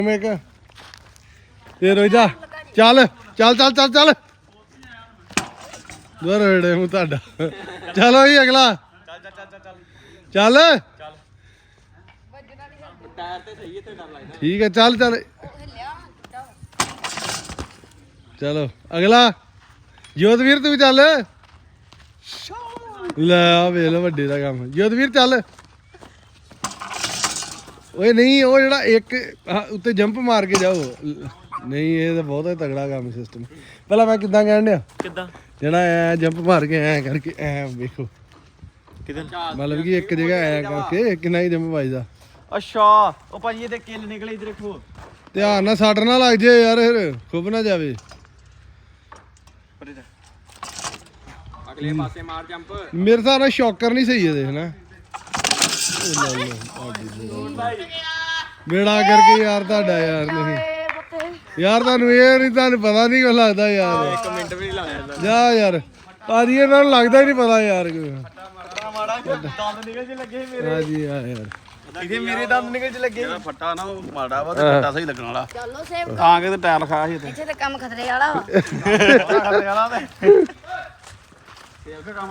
ਇੱਕ ਤੇ ਰੋਜਾ ਚੱਲ ਚੱਲ ਚੱਲ ਚੱਲ ਚੱਲ ਦੋਰੇ ਮੂੰ ਤੁਹਾਡਾ ਚਲੋ ਜੀ ਅਗਲਾ ਚੱਲ ਟਾਇਰ ਤੇ ਸਹੀ ਇੱਥੇ ਡਰ ਲੱਗਦਾ ਠੀਕ ਹੈ ਚੱਲ ਚੱਲ ਚਲੋ ਅਗਲਾ ਜੋਤਵੀਰ ਤੂੰ ਵੀ ਚੱਲ ਲੈ ਆ ਵੇਖ ਲੋ ਵੱਡੇ ਦਾ ਕੰਮ ਜੋਤਵੀਰ ਚੱਲ ਓਏ ਨਹੀਂ ਉਹ ਜਿਹੜਾ ਇੱਕ ਉੱਤੇ ਜੰਪ ਮਾਰ ਕੇ ਜਾਓ ਨਹੀਂ ਇਹ ਤਾਂ ਬਹੁਤ ਤਗੜਾ ਕੰਮ ਸਿਸਟਮ ਪਹਿਲਾਂ ਮੈਂ ਕਿੱਦਾਂ ਕਹਿਣ ਡਿਆ ਕਿੱਦਾਂ ਜਿਹੜਾ ਐ ਜੰਪ ਮਾਰ ਕੇ ਐ ਕਰਕੇ ਐ ਵੇਖੋ ਕਿੱਦਾਂ ਮਤਲਬ ਕਿ ਇੱਕ ਜਗ੍ਹਾ ਐ ਕਰਕੇ ਕਿੰਨਾ ਹੀ ਜੰਪ ਵੱਜਦਾ ਅੱਛਾ ਉਹ ਭਾਜੀ ਇਹਦੇ ਕਿੱਲ ਨਿਕਲੇ ਇਧਰ ਦੇਖੋ ਧਿਆਨ ਨਾਲ ਸੱਟ ਨਾ ਲੱਗ ਜੇ ਯਾਰ ਫਿਰ ਖੁੱਬ ਨਾ ਜਾਵੇ ਅਗਲੇ ਪਾਸੇ ਮਾਰ ਜੰਪ ਮੇਰੇ ਹਿਸਾਬ ਨਾਲ ਸ਼ੌਕਰ ਨਹੀਂ ਸਹੀ ਇਹਦੇ ਹਨਾ ਬੇੜਾ ਕਰਕੇ ਯਾਰ ਤੁਹਾਡਾ ਯਾਰ ਨਹੀਂ ਯਾਰ ਤੁਹਾਨੂੰ ਇਹ ਨਹੀਂ ਤੁਹਾਨੂੰ ਪਤਾ ਨਹੀਂ ਕੁਛ ਲੱਗਦਾ ਯਾਰ 1 ਮਿੰਟ ਵੀ ਨਹੀਂ ਲੱਗਦਾ ਜਾ ਯਾਰ ਭਾਜੀ ਇਹਨਾਂ ਨੂੰ ਲੱਗਦਾ ਹੀ ਨਹੀਂ ਪਤਾ ਯਾਰ ਮਾੜਾ ਦੰਦ ਨਿਕਲ ਜੇ ਲੱਗੇ ਮੇਰੇ ਹਾਂਜੀ ਆ ਯਾਰ ਇਹਦੇ ਮੇਰੇ ਦੰਦ ਨਿਕਲ ਜੇ ਲੱਗੇ ਜਿਹੜਾ ਫੱਟਾ ਨਾ ਉਹ ਮਾੜਾ ਵਾ ਤੇ ਫੱਟਾ ਸਹੀ ਲੱਗਣ ਵਾਲਾ ਚਲੋ ਸੇਵ ਤਾਂ ਕਿ ਤੇ ਟਾਇਰ ਲਿਖਾਇਆ ਸੀ ਇੱਥੇ ਤੇ ਕੰਮ ਖਤਰੇ ਵਾਲਾ ਵਾ ਖਤਰੇ ਵਾਲਾ ਤੇ